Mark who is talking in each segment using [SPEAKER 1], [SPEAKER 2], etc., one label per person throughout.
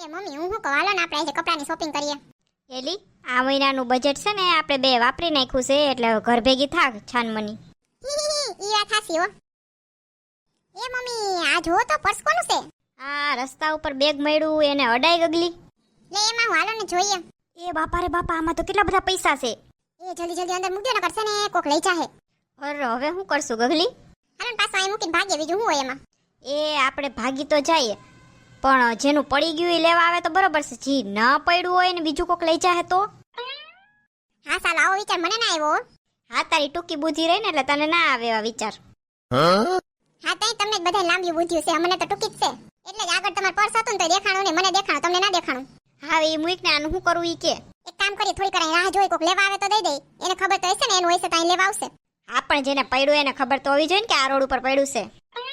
[SPEAKER 1] એ mummy હું કહું હાલો ને આપણે આજે કપડાની શોપિંગ કરીએ.
[SPEAKER 2] એલી આ મહિનાનું બજેટ છે ને આપણે બે વાપરી નાખ્યું છે એટલે ઘર ભેગી થાક છાનમની.
[SPEAKER 1] ઈ વાત હાસી હો. એ મમ્મી આ જો તો પર્સ કોનું છે?
[SPEAKER 2] આ રસ્તા ઉપર બેગ મળ્યું એને અડાઈ ગગલી.
[SPEAKER 1] લે એમાં હું હાલો ને જોઈએ.
[SPEAKER 2] એ બાપા રે બાપા આમાં તો કેટલા બધા પૈસા છે.
[SPEAKER 1] એ જલ્દી જલ્દી અંદર મૂકી દે ન કરશે ને કોક લઈ જાહે.
[SPEAKER 2] અરે હવે શું કરશું ગગલી?
[SPEAKER 1] હાલો ને પાછું અહીં મૂકીને ભાગીએ બીજું શું હોય એમાં.
[SPEAKER 2] એ આપણે ભાગી તો જઈએ પણ જેનું પડી ગયું એ લેવા આવે તો બરોબર છે, જી ન પડ્યું હોય ને બીજું કોક લઈ જાહે તો.
[SPEAKER 1] હા સાલો આવો વિચાર મને ના આવ્યો.
[SPEAKER 2] હા તારી ટૂંકી બુદ્ધિ રહી ને એટલે તને ના આવે એવા વિચાર.
[SPEAKER 1] હા તઈ તમને જ બધા લાંબી બુદ્ધિ છે, અમને તો ટૂંકી જ છે. એટલે જ આગળ તમારું પર્સ હતું ને તો દેખાણું ને મને દેખાણું તમને ના દેખાણું.
[SPEAKER 2] હા એ મૂક ને આનું શું કરવું ઈ કે.
[SPEAKER 1] એક કામ કરી થોડી કરાય રાહ જોઈ કોક લેવા આવે તો દઈ દે. એને ખબર તો હશે ને એનું હશે તો અહીં લેવા આવશે.
[SPEAKER 2] હા પણ જેને પડ્યું એને ખબર તો હોવી જોઈએ ને કે આ રોડ ઉપર પડ્યું છે.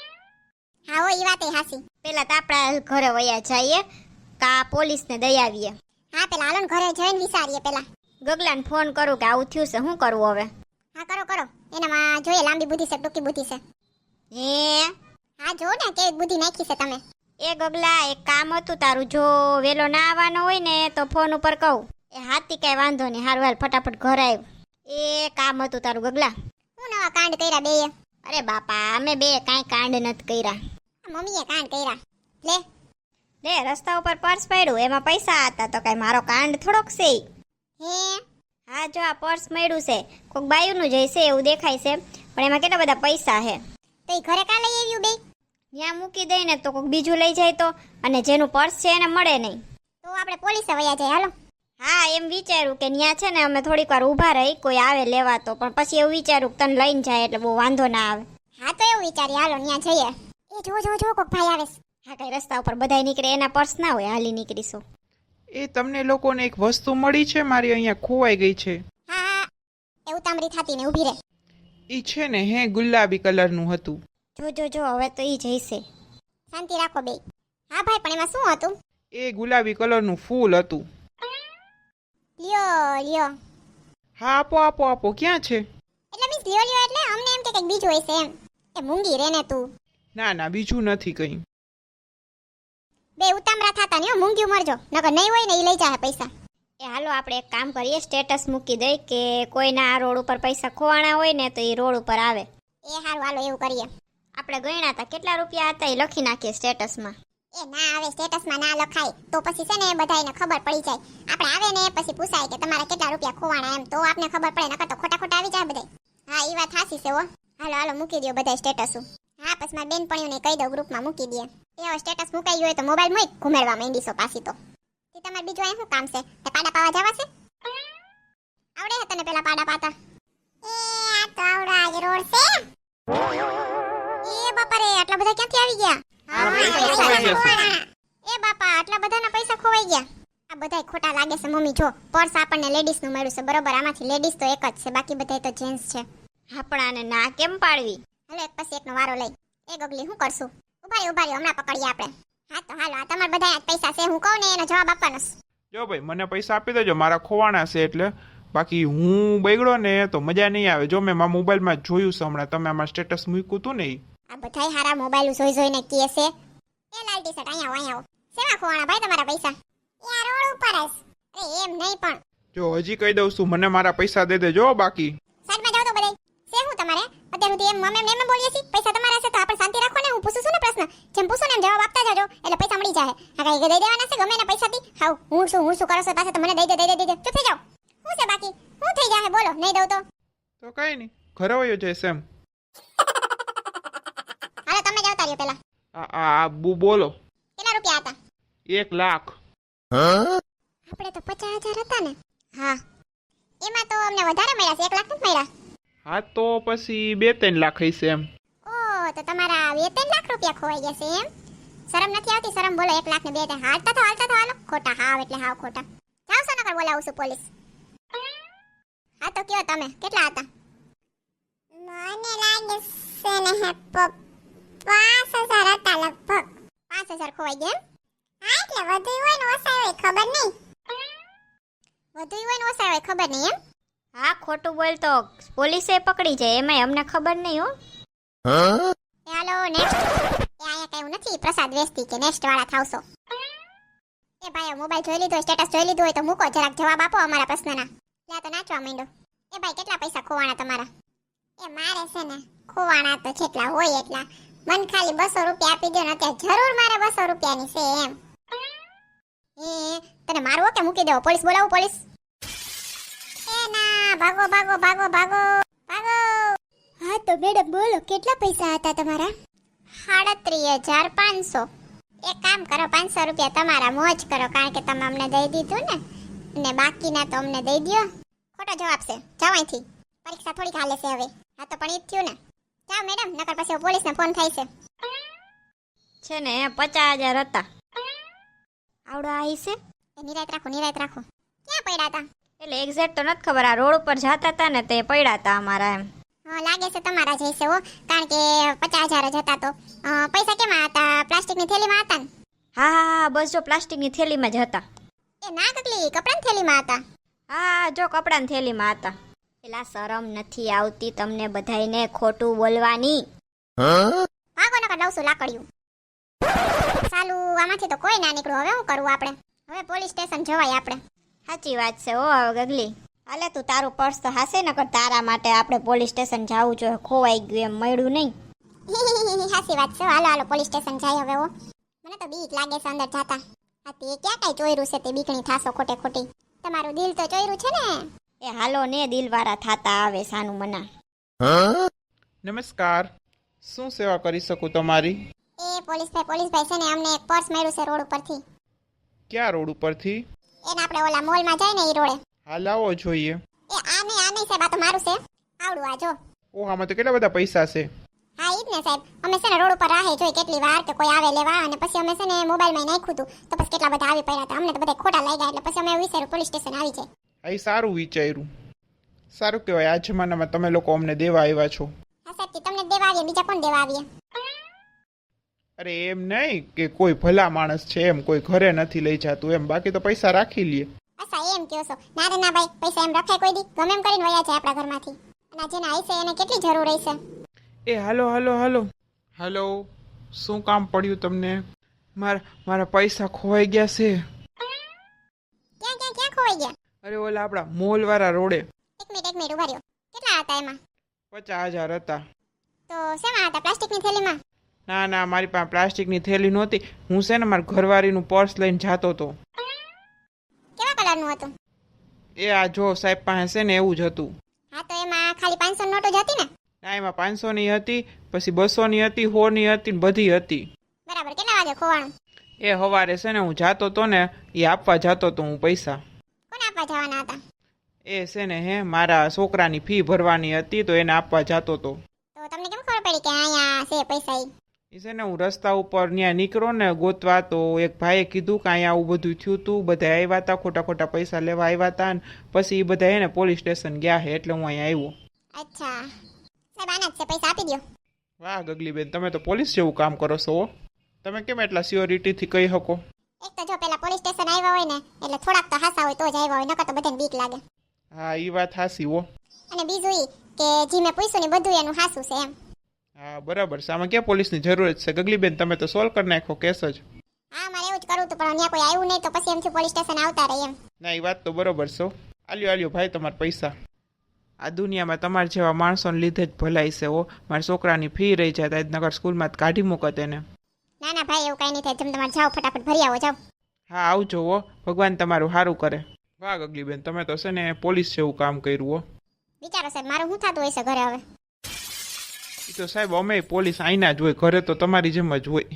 [SPEAKER 1] હા હો ઈ વાત એ હાસી.
[SPEAKER 2] પેલા તો આપણા ઘરે વયા જઈએ કા પોલીસને દઈ આવીએ.
[SPEAKER 1] હા પેલા હાલો ને ઘરે જઈને વિચારીએ પેલા.
[SPEAKER 2] ગગલાને ફોન કરું કે આવું થયું છે શું કરવું હવે.
[SPEAKER 1] હા કરો કરો એનામાં જોઈએ લાંબી બુદ્ધિ છે ટૂંકી બુદ્ધિ છે.
[SPEAKER 2] હે
[SPEAKER 1] હા જો ને કેવી બુદ્ધિ નાખી છે તમે.
[SPEAKER 2] એ ગગલા એક કામ હતું તારું, જો વેલો ના આવવાનો હોય ને તો ફોન ઉપર કહું. એ હાથી કઈ વાંધો નહીં, હારું હાલ ફટાફટ ઘર આવ્યું. એ કામ હતું તારું ગગલા.
[SPEAKER 1] હું નવા કાંડ કર્યા બેય?
[SPEAKER 2] અરે બાપા અમે બે કાંઈ કાંડ નથી કર્યા.
[SPEAKER 1] મમ્મીએ કાંડ કર્યા. લે
[SPEAKER 2] લે રસ્તા ઉપર પર્સ પડ્યું એમાં પૈસા હતા તો કઈ મારો કાંડ થોડોક છે ઈ.
[SPEAKER 1] હે
[SPEAKER 2] હા જો આ પર્સ મળ્યું છે કોઈક બાયુનું જ હશે એવું દેખાય છે પણ એમાં કેટલા બધા પૈસા છે.
[SPEAKER 1] તો ઈ ઘરે કા લઈ આવ્યું બે?
[SPEAKER 2] ત્યાં મૂકી દઈ ને તો કોઈક બીજું લઈ જાય તો, અને જેનું પર્સ છે એને મળે નહીં.
[SPEAKER 1] તો આપણે પોલીસે વયા જાય હાલો.
[SPEAKER 2] હા એમ વિચાર્યું કે ત્યાં છે ને અમે થોડીક વાર ઊભા રહી કોઈ આવે લેવા તો, પણ પછી એવું વિચાર્યું કે તને લઈને જાય એટલે બહુ વાંધો ના આવે.
[SPEAKER 1] હા તો એવું વિચારી હાલો ત્યાં જઈએ. એ જો જો જો કોક ભાઈ આવે છે.
[SPEAKER 2] હા કઈ રસ્તા ઉપર બધાય નીકળે એના પર્સ ના હોય હાલી નીકળીશું.
[SPEAKER 3] એ તમને લોકોને એક વસ્તુ મળી છે, મારી અહીંયા ખોવાઈ ગઈ છે.
[SPEAKER 1] હા હા એ ઉતામળી થાતી ને ઊભી રહે.
[SPEAKER 3] એ છે ને હે ગુલાબી કલરનું હતું.
[SPEAKER 2] જો જો જો હવે તો ઈ જઈશે.
[SPEAKER 1] શાંતિ રાખો બે. હા ભાઈ પણ એમાં શું હતું?
[SPEAKER 3] એ ગુલાબી કલરનું ફૂલ હતું.
[SPEAKER 1] લ્યો લ્યો.
[SPEAKER 3] હા આપો આપો આપો, ક્યાં છે?
[SPEAKER 1] એટલે મીન્સ લ્યો લ્યો એટલે અમને એમ કે કંઈક બીજું હશે એમ. એ મૂંગી રે ને તું.
[SPEAKER 3] ના ના બીજું નથી કંઈ.
[SPEAKER 1] બે ઉતામળા થાતા ને મૂંગ્યું મરજો નકર નહીં હોય ને ઈ લઈ જાહે પૈસા.
[SPEAKER 2] એ હાલો આપણે એક કામ કરીએ, સ્ટેટસ મૂકી દઈ કે કોઈના આ રોડ ઉપર પૈસા ખોવાણા હોય ને તો એ રોડ ઉપર આવે.
[SPEAKER 1] એ હારું હાલો એવું કરીએ.
[SPEAKER 2] આપણે ગણ્યા હતા કેટલા રૂપિયા હતા એ લખી નાખીએ સ્ટેટસમાં.
[SPEAKER 1] એ ના આવે સ્ટેટસમાં ના લખાય તો પછી છે ને બધાયને ખબર પડી જાય. આપણે આવે ને પછી પૂછાય કે તમારા કેટલા રૂપિયા ખોવાણા એમ, તો આપને ખબર પડે નકર તો ખોટા ખોટા આવી જાય બધાય. હા ઈ વાત હાસી છે હો. હાલો હાલો મૂકી દો બધાય સ્ટેટસ. હા પછી મારી બેનપણીઓને કહી દઉં ગ્રુપમાં મૂકી દે. એ હવે સ્ટેટસ મુકાઈ ગયું હોય તો મોબાઈલ મૂક ઘુમેડવા માંડીશો પાછી તો. તે તમારે બીજું અહીં શું કામ છે? તે પાડા પાવા જવા છે? આવડે છે તને પેલા પાડા પાતા? એ આ તો આવડા જ રોડ છે. એ બાપા રે આટલા બધા ક્યાંથી આવી ગયા? એ બાપા આટલા બધાના પૈસા ખોવાઈ ગયા. આ બધાય ખોટા લાગે છે મમ્મી. જો પર્સ આપણને લેડીઝ નું મળ્યું છે બરોબર, આમાંથી લેડીઝ તો એક જ છે બાકી બધાય તો જેન્ટ્સ છે.
[SPEAKER 2] હા પણ આને ના કેમ પાડવી?
[SPEAKER 1] હાલો એક પછી એકનો વારો લઈ. એ ગગલી શું કરશું? ઉભા રહ્યો હમણાં પકડીએ આપણે. હા તો હાલો આ તમારા બધા પૈસા છે હું કહું ને એનો જવાબ આપવાનો છે.
[SPEAKER 3] જો ભાઈ મને પૈસા આપી દેજો, મારા ખોવાણા છે એટલે. બાકી હું બગડો ને તો મજા નહીં આવે. જો મેં મારા મોબાઈલમાં જોયું છે હમણાં, તમે આમાં સ્ટેટસ મૂક્યું હતું ને ઈ.
[SPEAKER 1] આ બધાય હારા મોબાઈલ જોઈ જોઈને કહે છે. એ લાલ ટી શર્ટ અહીંયા આવો. શેમાં ખોવાણા ભાઈ તમારા પૈસા? યાર રોડ ઉપર જ. અરે એમ નહીં પણ
[SPEAKER 3] જો હજી કહી દઉં છું, મને મારા પૈસા દે દેજો બાકી.
[SPEAKER 1] સાઈડમાં જાઓ તો બધાય. છે હું તમારે અત્યાર સુધી એમ મમે એમ બોલીએ છીએ પૈસા તમારા છે તો આપણે શાંતિ રાખો ને. હું પૂછું છું ને પ્રશ્ન, જેમ પૂછો ને એમ જવાબ આપતા જાજો એટલે પૈસા મળી જાય. હા કઈ દઈ દેવાના છે ગમે ને પૈસાથી. હાઉ હું શું કરો છો પાસે તો મને દઈ દે. ચૂપ થઈ જાઓ. શું છે બાકી? શું થઈ જાય બોલો? નહીં દઉં તો
[SPEAKER 3] કઈ નહીં, ઘરે વયો જઈશ એમ.
[SPEAKER 1] હાલો તમે જાવ તારીઓ પેલા.
[SPEAKER 3] બોલો.
[SPEAKER 1] કેટલા રૂપિયા હતા?
[SPEAKER 3] 1 લાખ.
[SPEAKER 1] આપણે તો 50,000 હતા ને. હા એમાં તો અમને વધારે મળ્યા છે, 1 લાખ નથી મળ્યા.
[SPEAKER 3] હા તો પછી 2-3 લાખ હશે એમ.
[SPEAKER 1] ઓહ તો તમારા 2-3 લાખ રૂપિયા ખોવાઈ ગયા છે એમ. શરમ નથી આવતી? શરમ બોલો. 1 લાખ ને 2-3 હાલતા તો હાલો. ખોટા હાવ એટલે હાવ ખોટા. જાવ છો નકર બોલાવું છું પોલીસ. હા તો કયો તમે કેટલા હતા? મને લાગે છે ને 5,000 હતા લગભગ. 5,000 ખોવાઈ ગયા એમ? હા એટલે વધુ હોય ને ઓછા હોય ખબર નહીં. વધુ હોય ને ઓછા હોય ખબર નહીં એમ.
[SPEAKER 2] હા ખોટું બોલ તો પોલીસે પકડી જાય એમાંય અમને ખબર નહીં હો.
[SPEAKER 1] હાલો નેક્સ્ટ. એ અહીંયા કઈ નથી પ્રસાદ વેચતી કે નેક્સ્ટ વાળા થાવશો. એ એ ભાઈ મોબાઈલ જોઈ લીધો, સ્ટેટસ જોઈ લીધું હોય તો મૂકો, જરાક જવાબ આપો અમારા પ્રશ્નના. લ્યા તો નાચવા માંડો. એ ભાઈ કેટલા પૈસા ખોવાણા તમારા? એ મારે છે ને ખોવાણા તો જેટલા હોય એટલા. મન ખાલી 200 રૂપિયા આપી દો ને, અત્યારે જરૂર મારે 200 રૂપિયાની છે એમ. તને મારવો કે મૂકી દેવો? પોલીસ બોલાવું? પોલીસ? એ ના, ભાગો ભાગો ભાગો ભાગો ભાગો. હા તો મેડમ બોલો, કેટલા પૈસા હતા તમારા? 37,500. એક કામ કરો, 500 રૂપિયા તમારા મોજ કરો, કારણ કે તમે અમને દઈ દીધું ને, અને બાકીના તો અમને દઈ દ્યો. ખોટો જવાબ છે, જાઓ અહીંથી. પરીક્ષા થોડીક હાલે છે હવે. હા તો પણ ઈ જ થયું ને. જાઓ મેડમ, નકર પછી પોલીસને ફોન થાય છે.
[SPEAKER 2] છે ને 50,000 હતા. આવડો આવી છે?
[SPEAKER 1] એ નિરાયત રાખો, નિરાયત રાખો. ક્યાં પડ્યા હતા?
[SPEAKER 2] એટલે એક્ઝેક્ટ તો નથી ખબર, આ રોડ ઉપર જતા હતા ને તે પડ્યા હતા અમારા એમ.
[SPEAKER 1] હા લાગે છે તમારા જ હશે હો, કારણ કે 50,000 જ હતા તો. પૈસા કેમાં હતા? પ્લાસ્ટિકની થેલીમાં હતા ને?
[SPEAKER 2] હા હા હા, બસ જો પ્લાસ્ટિકની થેલીમાં જ હતા.
[SPEAKER 1] એ ના કકલી, કપડાની થેલીમાં હતા.
[SPEAKER 2] હા જો કપડાની થેલીમાં હતા. એલા શરમ નથી આવતી તમને બધાયને ખોટું બોલવાની?
[SPEAKER 1] ભાગો નકર લઉં છું લાકડિયું. સાલું આમાંથી તો કોઈ ના નીકળ્યું. હવે શું કરવું આપણે? હવે પોલીસ સ્ટેશન જવાય આપણે.
[SPEAKER 2] સાચી વાત છે હો ગગલી. હાલે તું તારું પર્સ તો હાસે નકર તારા માટે આપણે પોલીસ સ્ટેશન જવું જોઈએ. ખોવાઈ ગયું એમ મળ્યું નહીં.
[SPEAKER 1] સાચી વાત છે. હાલો હાલો પોલીસ સ્ટેશન જાય હવે. મને તો બીક લાગે છે અંદર જાતા. આ તે ક્યાં કઈ ચોયરું છે તે બીકણી થાસો ખોટે ખોટી. તમારું દિલ તો ચોયરું છે ને.
[SPEAKER 2] એ હાલો ને દિલવાળા થાતા આવે સાનું મના.
[SPEAKER 3] નમસ્કાર, શું સેવા કરી શકું તમારી?
[SPEAKER 1] એ પોલીસભાઈ છે ને, અમને એક પર્સ મળ્યું છે રોડ ઉપરથી.
[SPEAKER 3] ક્યાં રોડ ઉપરથી?
[SPEAKER 1] એને આપણે ઓલા મોલમાં જાય ને ઈ રોડે.
[SPEAKER 3] હાલ આવો જોઈએ.
[SPEAKER 1] એ આ નહીં સાહેબ, આ તો મારું છે. આવડું આ જો.
[SPEAKER 3] ઓહ, આમાં તો કેટલા બધા પૈસા છે.
[SPEAKER 1] હા ઈ જ ને સાહેબ. અમે છે ને રોડ ઉપર રાહે જોઈ કેટલી વાર કે કોઈ આવે લેવા, અને પછી અમે છે ને મોબાઈલમાં નાખ્યું હતું તો પછી કેટલા બધા આવી પડ્યા હતા. અમને તો બધા ખોટા લાગ્યા, એટલે પછી અમે વિચાર્યું પોલીસ સ્ટેશન આવી જાય.
[SPEAKER 3] આ સારું વિચાર્યું. સારું કહેવાય, આ જમાનામાં તમે લોકો અમને દેવા આવ્યા છો.
[SPEAKER 1] હા સાહેબ, તમને દેવા આવીએ, બીજા કોણ દેવા આવીએ?
[SPEAKER 3] અરે એમ નહીં કે કોઈ ભલા માણસ છે એમ, કોઈ ઘરે નથી લઈ જતું એમ, બાકી તો પૈસા રાખી લે.
[SPEAKER 1] અચ્છા એમ કહો છો? ના રે ના ભાઈ, પૈસા એમ રખાય કોઈ દી? ગમે એમ કરીને વયા જાય આપણા ઘરમાંથી. અને જેને હશે એને કેટલી જરૂર હશે.
[SPEAKER 3] એ હાલો હાલો હાલો હાલો, શું કામ પડ્યું તમને? મારા પૈસા ખોવાઈ ગયા છે.
[SPEAKER 1] ક્યાં ખોવાઈ ગયા?
[SPEAKER 3] અરે ઓલા આપણા મોલ વાળા રોડે.
[SPEAKER 1] એક મિનિટ ઉભા રહ્યો. કેટલા હતા એમાં?
[SPEAKER 3] 50,000 હતા.
[SPEAKER 1] તો શેમાં હતા? પ્લાસ્ટિકની થેલીમાં?
[SPEAKER 3] ના ના, મારી પાસે પ્લાસ્ટિકની થેલી નહોતી. હું છે ને મારા ઘરવાળીનું પર્સ લઈને જતો હતો.
[SPEAKER 1] કેવા કલરનું હતું?
[SPEAKER 3] એ આ જો સાહેબ પાસે છે ને એવું જ હતું.
[SPEAKER 1] હા તો એમાં ખાલી 500 નોટો જ હતી ને?
[SPEAKER 3] ના, એમાં 500ની હતી, પછી 200ની હતી, 100ની હતી ને બધી હતી.
[SPEAKER 1] બરાબર. કેટલા વાગે ખોવાણું?
[SPEAKER 3] એ સવારે છે ને હું જાતો તો ને, એ આપવા જાતો તો હું પૈસા.
[SPEAKER 1] કોને આપવા જવાના હતા?
[SPEAKER 3] એ છે ને મારા છોકરાની ફી ભરવાની હતી તો એને આપવા જાતો તો.
[SPEAKER 1] તો તમને કેમ ખબર પડી કે અહીંયા છે પૈસા?
[SPEAKER 3] એ છે ને હું રસ્તા ઉપર ત્યાં નીકળો ને ગોતવા, તો એક ભાઈએ કીધું કે અહીંયા આવું બધું થયું હતું, બધા આવ્યા હતા, ખોટા પૈસા લેવા આવ્યા હતા, ને પછી એ બધા એને પોલીસ સ્ટેશન ગયા છે, એટલે હું અહીંયા આવ્યો.
[SPEAKER 1] અચ્છા સાહેબ, આના જ છે, પૈસા આપી દો.
[SPEAKER 3] વાહ ગગલીબેન, તમે તો પોલીસ જેવું કામ કરો છો હો. તમે કેમ એટલા સ્યોરિટીથી કહી શકો?
[SPEAKER 1] એક તો જો પેલા પોલીસ સ્ટેશન આવ્યા હોય ને એટલે થોડાક તો હાસા હોય તો જ આવ્યા હોય, નકર તો બધાને બીક લાગે.
[SPEAKER 3] હા એ વાત હાસી હો.
[SPEAKER 1] અને બીજું ઈ કે જી મેં પૂછ્યું ને બધું એનું હાસું છે એમ.
[SPEAKER 3] હા બરાબર છે, આમાં ક્યાં પોલીસની જરૂરત છે ગગલીબેન, તમે તો સોલ્વ કરી નાખો કેસ જ.
[SPEAKER 1] હા મારે એવું જ કરવું હતું, પણ ત્યાં કોઈ આવ્યું નહીં તો પછી એમથી પોલીસ સ્ટેશન આવતા રહે એમ.
[SPEAKER 3] ના એ વાત તો બરોબર છે. આલ્યો ભાઈ તમારા પૈસા. આ દુનિયામાં તમારા જેવા માણસોને લીધે જ ભલાઈ છે હો. મારા છોકરાની ફી રહી જાય તો નગર સ્કૂલમાં કાઢી મૂકત એને.
[SPEAKER 1] ના ના ભાઈ, એવું કઈ નહીં થાય. તમે તમારે જાઓ, ફટાફટ ભરી આવો, જાઓ.
[SPEAKER 3] હા આવજો હો, ભગવાન તમારું સારું કરે. વાહ ગગલીબેન, તમે તો છે ને પોલીસ જેવું કામ કર્યું હો.
[SPEAKER 1] વિચારો સાહેબ, મારું શું થતું હશે ઘરે હવે?
[SPEAKER 3] એ તો સાહેબ અમે પોલીસ આઈના જ હોય, ઘરે તો તમારી જેમ જ હોય.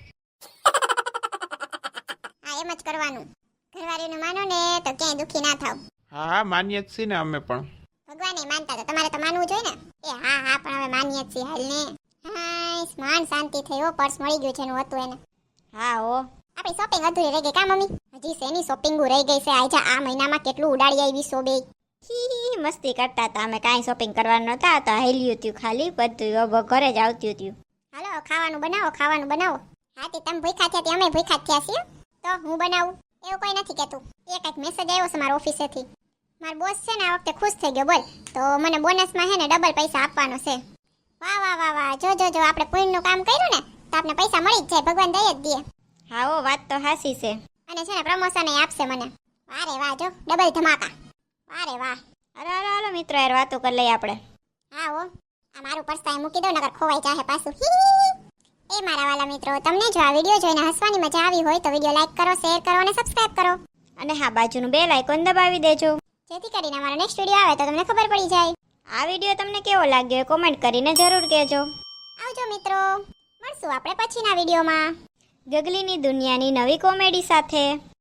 [SPEAKER 1] હા એમ જ કરવાનું. ઘરવાળીનું માનો ને તો ક્યાંય દુખી ના થાવ.
[SPEAKER 3] હા માન્ય જ છીએ ને અમે પણ.
[SPEAKER 1] ભગવાને માનતા તો તમારે તો માનવું જોઈએ ને. એ હા પણ હવે માનીએ છીએ હાલ ને. હા સ્માન શાંતિ થઈ હો, પર્સ મળી ગયું છે એનું હતું એને.
[SPEAKER 2] હા હો.
[SPEAKER 1] આપણી શોપિંગ અધૂરી રહી ગઈ કા મમ્મી? હજી શેની શોપિંગો રહી ગઈ છે? આજા આ મહિનામાં કેટલું ઉડાડી આવી સોબે.
[SPEAKER 2] હી મસ્તી કરતા હતા અમે, કાંઈ શોપિંગ કરવાનું નતા, તો હેલ્યું હતું ખાલી, બધું ઘરે જ આવતું હતું.
[SPEAKER 1] હાલો ખાવાનું બનાવો. હા તે તમે ભૂખા થયા તે અમે ભૂખા થયા છીએ, તો હું બનાવું એવું કોઈ નથી કહેતું. એ કંઈક મેસેજ આવ્યો છે મારા ઓફિસેથી. મારો બોસ છે ને આ વખતે ખુશ થઈ ગયો, બોલ. તો મને બોનસમાં હે ને ડબલ પૈસા આપવાનો છે. વાહ જો આપણે પુણ્યનું કામ કર્યું ને તો આપણે પૈસા મળી જ જાય, ભગવાન દઈ જ દે.
[SPEAKER 2] હા ઓ વાત તો હાસી છે.
[SPEAKER 1] અને છે ને પ્રમોશન આપશે મને. વારે વાહ, જો ડબલ ધમાકા. વારે વાહ.
[SPEAKER 2] હાલો હાલો હાલો મિત્રો યાર વાતો કરી લઈએ આપણે.
[SPEAKER 1] હા હો, આ મારું પર્સ ત્યાં મૂકી દો નકર ખોવાઈ જાહે પાછું. એ મારા વાલા મિત્રો, તમને જો આ વિડીયો જોઈને હસવાની મજા આવી હોય તો વિડીયો લાઈક કરો, શેર કરો અને સબસ્ક્રાઇબ કરો,
[SPEAKER 2] અને હા બાજુનું બેલ આઇકોન દબાવી દેજો,
[SPEAKER 1] જેથી કરીને અમારો નેક્સ્ટ વિડીયો આવે તો તમને ખબર પડી જાય.
[SPEAKER 2] આ વિડીયો તમને કેવો લાગ્યો એ કોમેન્ટ કરીને જરૂર કહેજો.
[SPEAKER 1] આવજો મિત્રો, મળશું આપણે પછીના વિડીયોમાં.
[SPEAKER 2] ગગલીની દુનિયાની નવી કોમેડી સાથે.